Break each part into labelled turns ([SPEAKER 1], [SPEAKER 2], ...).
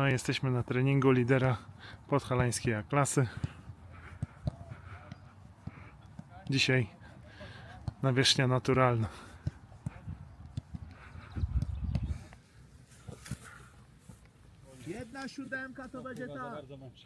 [SPEAKER 1] No i jesteśmy na treningu lidera podhalańskiej A-klasy. Dzisiaj nawierzchnia naturalna.
[SPEAKER 2] Jedna siódemka to będzie ta.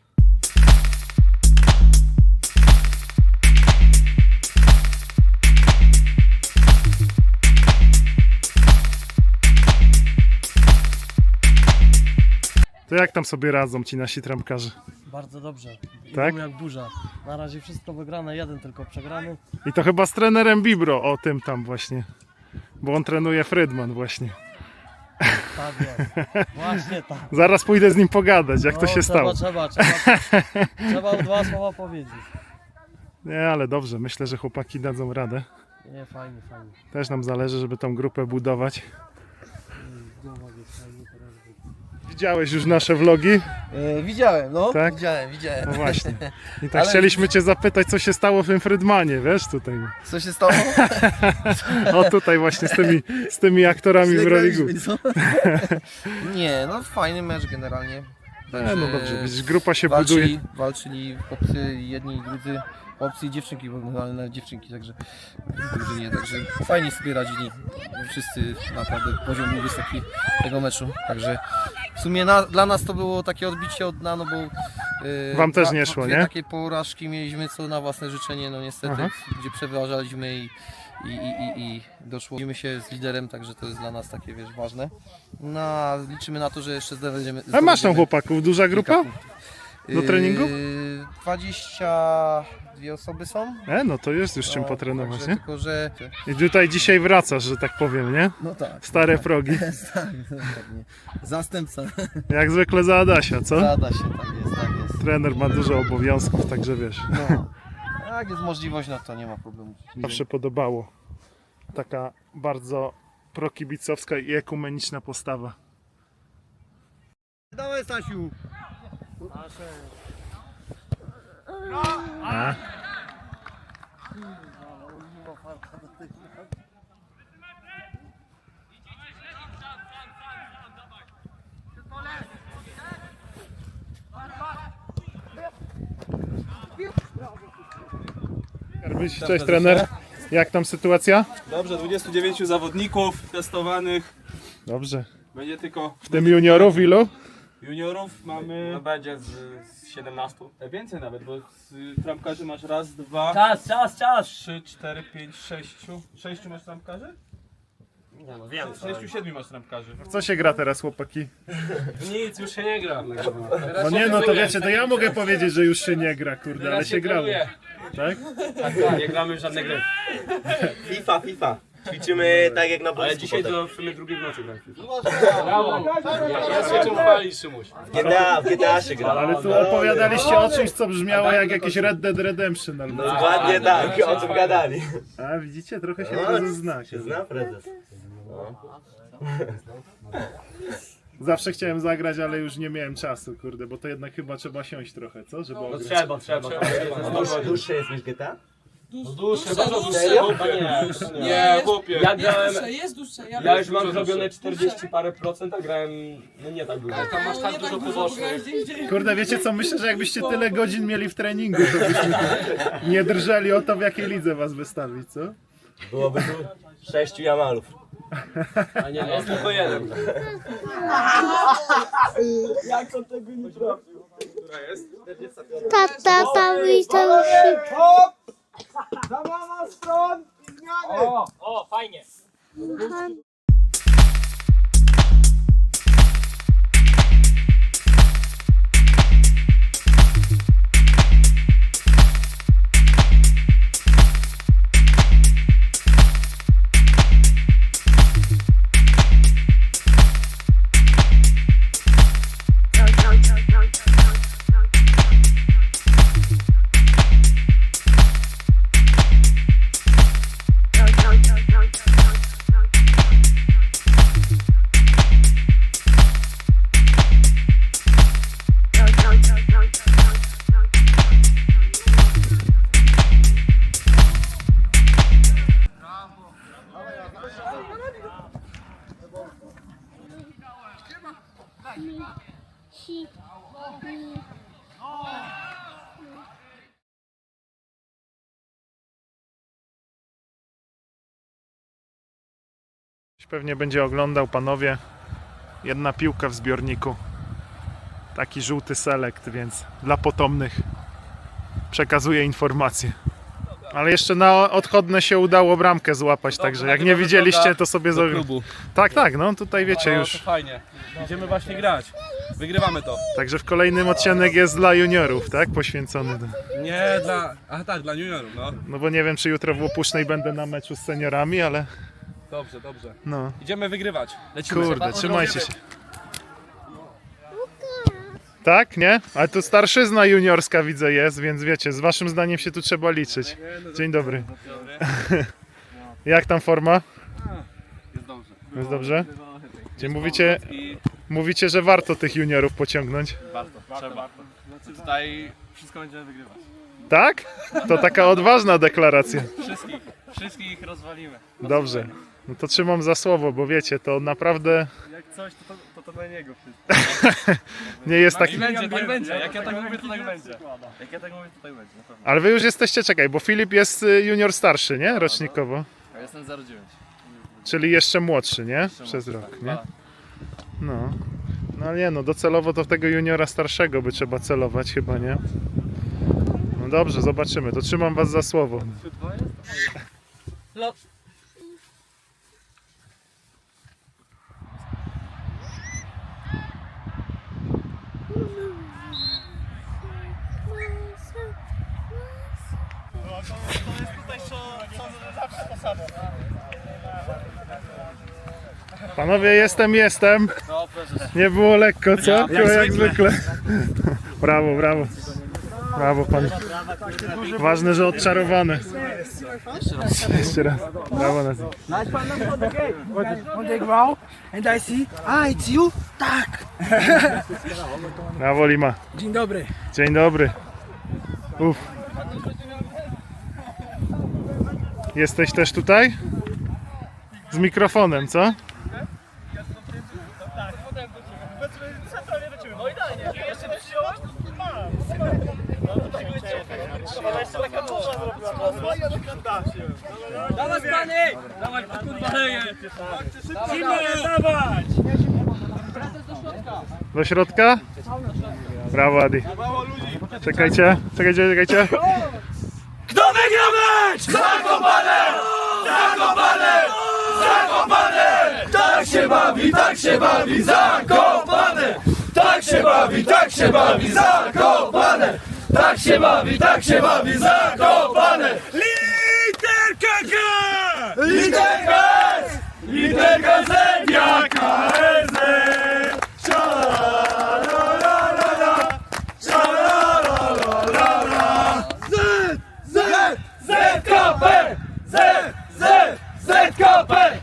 [SPEAKER 1] To jak tam sobie radzą ci nasi trampkarze?
[SPEAKER 3] Bardzo dobrze.
[SPEAKER 1] Tak?
[SPEAKER 3] Idą jak burza. Na razie wszystko wygrane, jeden tylko przegrany.
[SPEAKER 1] I to chyba z trenerem Bibro, o tym tam właśnie. Bo on trenuje Frydman właśnie.
[SPEAKER 3] Tak jest. Właśnie tak.
[SPEAKER 1] Zaraz pójdę z nim pogadać, jak to się stało.
[SPEAKER 3] Trzeba dwa słowa powiedzieć.
[SPEAKER 1] Nie, ale dobrze, myślę, że chłopaki dadzą radę.
[SPEAKER 3] Nie, fajnie, fajnie.
[SPEAKER 1] Też nam zależy, żeby tą grupę budować.
[SPEAKER 3] Głowa jest fajnie teraz.
[SPEAKER 1] Widziałeś już nasze vlogi?
[SPEAKER 2] Widziałem, no.
[SPEAKER 1] Tak?
[SPEAKER 2] Widziałem.
[SPEAKER 1] No właśnie. I tak
[SPEAKER 2] Ale-
[SPEAKER 1] chcieliśmy cię zapytać, co się stało w tym Frydmanie, wiesz, tutaj.
[SPEAKER 2] Co się stało?
[SPEAKER 1] O tutaj właśnie z tymi aktorami w roli głównej.
[SPEAKER 2] Nie, no fajny mecz generalnie.
[SPEAKER 1] No dobrze, widzisz, grupa się buduje.
[SPEAKER 2] Walczyli chłopcy jedni i drudzy. Chłopcy i dziewczynki, bo na dziewczynki, także w drużynie, także fajnie sobie radzili. Wszyscy naprawdę poziom był wysoki tego meczu. Także w sumie dla nas to było takie odbicie od dna, no bo
[SPEAKER 1] Wam też nie szło,
[SPEAKER 2] dwie
[SPEAKER 1] nie?
[SPEAKER 2] takie porażki mieliśmy co na własne życzenie, no niestety,
[SPEAKER 1] Aha.
[SPEAKER 2] gdzie przeważaliśmy i doszło się z liderem, także to jest dla nas takie, wiesz, ważne. No, a liczymy na to, że jeszcze zdobędziemy.
[SPEAKER 1] A masz tam chłopaków, duża grupa? Do treningu?
[SPEAKER 2] 22 osoby są.
[SPEAKER 1] No to jest już czym
[SPEAKER 2] No,
[SPEAKER 1] potrenować,
[SPEAKER 2] także
[SPEAKER 1] nie?
[SPEAKER 2] Tylko, że...
[SPEAKER 1] I tutaj dzisiaj wracasz, że tak powiem, nie?
[SPEAKER 2] No tak.
[SPEAKER 1] Stare progi.
[SPEAKER 2] Tak, dokładnie. Zastępca.
[SPEAKER 1] Jak zwykle za Adasia, co?
[SPEAKER 2] Zada się, tak jest, tak jest.
[SPEAKER 1] Trener ma dużo obowiązków, także wiesz.
[SPEAKER 2] No. Jak jest możliwość, no to nie ma problemu.
[SPEAKER 1] Zawsze podobało. Taka bardzo prokibicowska i ekumeniczna postawa.
[SPEAKER 2] Dawaj, Stasiu.
[SPEAKER 1] A? Cześć trener, jak tam sytuacja?
[SPEAKER 4] Dobrze, 29 zawodników testowanych.
[SPEAKER 1] Dobrze.
[SPEAKER 4] Będzie tylko
[SPEAKER 1] W tym juniorów ilu?
[SPEAKER 4] juniorów mamy. No będzie z 17. Więcej nawet, bo z trampkarzy masz raz, dwa,
[SPEAKER 3] Czas!
[SPEAKER 4] 3, 4, 5, 6. 6 masz trampkarzy?
[SPEAKER 3] Nie no, wiem.
[SPEAKER 4] 6, 7 masz trampkarzy.
[SPEAKER 1] W co się gra teraz, chłopaki?
[SPEAKER 4] Nic, już się nie gra.
[SPEAKER 1] No nie, no to wiecie, to ja mogę powiedzieć, że już się nie gra, kurde, ale się grało. Tak?
[SPEAKER 4] Nie gramy w żadne gry.
[SPEAKER 5] FIFA. Ćwiczymy tak jak na boisku.
[SPEAKER 4] Ale dzisiaj
[SPEAKER 5] potem.
[SPEAKER 4] to w sumie drugiej w nocy gramy. Brawo! Ja się czym chwalisz, Szymuś.
[SPEAKER 5] W GTA się gra.
[SPEAKER 1] Ale tu opowiadaliście o czymś, co brzmiało jak jakieś Red Dead Redemption albo coś.
[SPEAKER 5] Dokładnie tak, o czym gadali.
[SPEAKER 1] A widzicie, trochę się prezes zna.
[SPEAKER 5] Się zna prezes.
[SPEAKER 1] Zawsze chciałem zagrać, ale już nie miałem czasu, kurde, bo to jednak chyba trzeba siąść trochę, co? Żeby ograć.
[SPEAKER 4] Trzeba.
[SPEAKER 5] Dłuższe jest niż GTA?
[SPEAKER 4] Dłuższe, bardzo dłuższe. Nie, chłopie.
[SPEAKER 6] Ja grałem, jest dłuższe.
[SPEAKER 4] Ja już mam zrobione 40 parę procent, a grałem no nie tak dużo. Tam masz tak dużo pobocznych.
[SPEAKER 1] Kurde, wiecie co, myślę, że jakbyście tyle godzin mieli w treningu, to byście nie drżeli o to, w jakiej lidze was wystawić, co?
[SPEAKER 5] Byłoby tu 6 Jamalów.
[SPEAKER 4] A nie, jest tylko jeden.
[SPEAKER 7] Tata bawi to się.
[SPEAKER 6] O, fajnie.
[SPEAKER 1] Pewnie będzie oglądał, panowie. Jedna piłka w zbiorniku. Taki żółty selekt, więc dla potomnych przekazuję informacje. Ale jeszcze na odchodne się udało bramkę złapać, także jak nie widzieliście, to sobie
[SPEAKER 4] Do klubu.
[SPEAKER 1] Tak, no tutaj wiecie
[SPEAKER 4] No,
[SPEAKER 1] już.
[SPEAKER 4] to fajnie. Idziemy właśnie grać. Wygrywamy to.
[SPEAKER 1] Także w kolejnym odcinek jest dla juniorów, tak? Poświęcony.
[SPEAKER 4] Nie dla... Aha tak, dla juniorów, no.
[SPEAKER 1] No bo nie wiem, czy jutro w Łupusznej będę na meczu z seniorami, ale
[SPEAKER 4] Dobrze, dobrze.
[SPEAKER 1] no.
[SPEAKER 4] Idziemy wygrywać. Lecimy.
[SPEAKER 1] Kurde, trzymajcie się. Tak, nie? Ale tu starszyzna juniorska widzę jest, więc wiecie, z waszym zdaniem się tu trzeba liczyć. Dzień dobry. Jak tam forma?
[SPEAKER 4] Jest dobrze.
[SPEAKER 1] Jest dobrze? Gdzie mówicie, że warto tych juniorów pociągnąć.
[SPEAKER 4] Trzeba. Tutaj wszystko będziemy wygrywać.
[SPEAKER 1] Tak? To taka odważna deklaracja.
[SPEAKER 4] Wszystkich rozwalimy.
[SPEAKER 1] Dobrze. No to trzymam za słowo, bo wiecie, to naprawdę
[SPEAKER 4] Jak coś, to na niego wszystko.
[SPEAKER 1] nie jest tak...
[SPEAKER 4] Tak będzie. Jak ja tak mówię, to tak będzie. Jak ja tak mówię, to tak będzie. Na pewno.
[SPEAKER 1] Ale wy już jesteście, czekaj, bo Filip jest junior starszy, nie? Rocznikowo.
[SPEAKER 4] Ja jestem 09.
[SPEAKER 1] Czyli jeszcze młodszy, nie? Przez rok, nie? No. No nie, no docelowo to w tego juniora starszego by trzeba celować chyba, nie? No dobrze, zobaczymy. To trzymam was za słowo. Panowie, jestem. Nie było lekko, co? Jak zwykle. Brawo, brawo. Brawo, pan. Ważne, że odczarowane. Jeszcze raz. Brawo, Nazi.
[SPEAKER 8] On the ground and I see, it's you? Tak!
[SPEAKER 1] Brawo, Lima.
[SPEAKER 8] Dzień dobry.
[SPEAKER 1] Dzień dobry. Uf. Jesteś też tutaj? Z mikrofonem, co?
[SPEAKER 6] Dawaj pany! Dawaj kurwa leje! Dawaj!
[SPEAKER 1] Do środka? Brawo, Adi. Czekajcie.
[SPEAKER 6] Kto wygra mecz? Zakopane! Zakopane! Zakopane! Tak się bawi, Zakopane! Tak się bawi, Zakopane! Tak się bawi, Zakopane! Literka K! Literka S! Literka Z! Jaka S! ZKP! ZKP!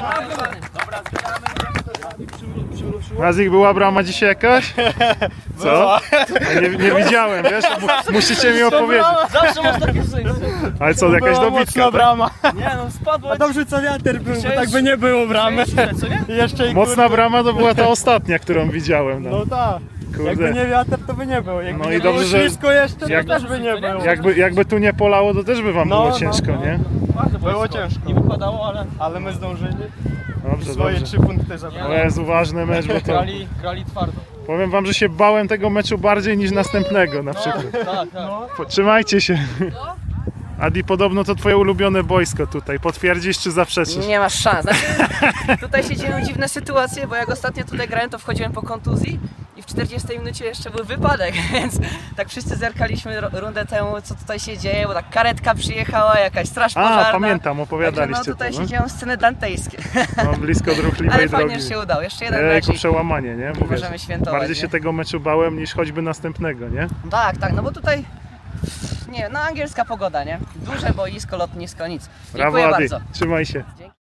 [SPEAKER 1] Nazik, była brama dzisiaj jakaś? Co? Ja nie widziałem, wiesz? Musicie mi opowiedzieć.
[SPEAKER 3] Zawsze masz takie szczęście.
[SPEAKER 1] Ale co, jakaś dobitka? Tak?
[SPEAKER 3] brama. Nie no, spadło.
[SPEAKER 8] Dobrze co wiatr był, bo tak by nie było bramy.
[SPEAKER 3] Co nie?
[SPEAKER 8] Jeszcze i
[SPEAKER 1] Mocna brama to była ta ostatnia, którą widziałem.
[SPEAKER 8] No tak. Jakby
[SPEAKER 1] Kurde.
[SPEAKER 8] nie wiatr, to by nie było. Jakby
[SPEAKER 1] No
[SPEAKER 8] nie
[SPEAKER 1] i dobrze,
[SPEAKER 8] było
[SPEAKER 1] że-
[SPEAKER 8] ślisko jeszcze,
[SPEAKER 1] jak-
[SPEAKER 8] to też by nie było.
[SPEAKER 1] Jakby tu nie polało, to też by wam było ciężko, nie?
[SPEAKER 8] Było ciężko.
[SPEAKER 3] Nie wypadało, ale
[SPEAKER 8] Ale my zdążyli.
[SPEAKER 1] Dobrze,
[SPEAKER 8] Swoje
[SPEAKER 1] dobrze.
[SPEAKER 8] 3 punkty zabrali.
[SPEAKER 1] To jest uważny mecz, bo to...
[SPEAKER 3] grali twardo.
[SPEAKER 1] Powiem wam, że się bałem tego meczu bardziej niż następnego na przykład.
[SPEAKER 3] Tak.
[SPEAKER 1] Trzymajcie się. Adi, podobno to twoje ulubione boisko tutaj. Potwierdzisz czy zaprzeczysz?
[SPEAKER 6] Nie masz szans. Znaczy, tutaj się dzieją dziwne sytuacje, bo jak ostatnio tutaj grałem, to wchodziłem po kontuzji i w 40 minucie jeszcze był wypadek, więc tak wszyscy zerkaliśmy rundę temu, co tutaj się dzieje, bo tak karetka przyjechała, jakaś straż pożarna.
[SPEAKER 1] A, pamiętam,
[SPEAKER 6] Także
[SPEAKER 1] opowiadaliście
[SPEAKER 6] no tutaj
[SPEAKER 1] to.
[SPEAKER 6] się dzieją sceny dantejskie,
[SPEAKER 1] No, blisko
[SPEAKER 6] ale
[SPEAKER 1] ruchliwej
[SPEAKER 6] fajnie,
[SPEAKER 1] drogi.
[SPEAKER 6] że się udało. Jeszcze jeden
[SPEAKER 1] Ejku,
[SPEAKER 6] mecz i
[SPEAKER 1] przełamanie, nie? Mówię,
[SPEAKER 6] możemy świętować.
[SPEAKER 1] bardziej się
[SPEAKER 6] nie?
[SPEAKER 1] tego meczu bałem niż choćby następnego, nie?
[SPEAKER 6] Tak, no bo tutaj, nie, no angielska pogoda, nie? Duże boisko, lotnisko, nic.
[SPEAKER 1] Brawo,
[SPEAKER 6] Dziękuję
[SPEAKER 1] Adi.
[SPEAKER 6] bardzo.
[SPEAKER 1] Trzymaj się.
[SPEAKER 6] Dzięki.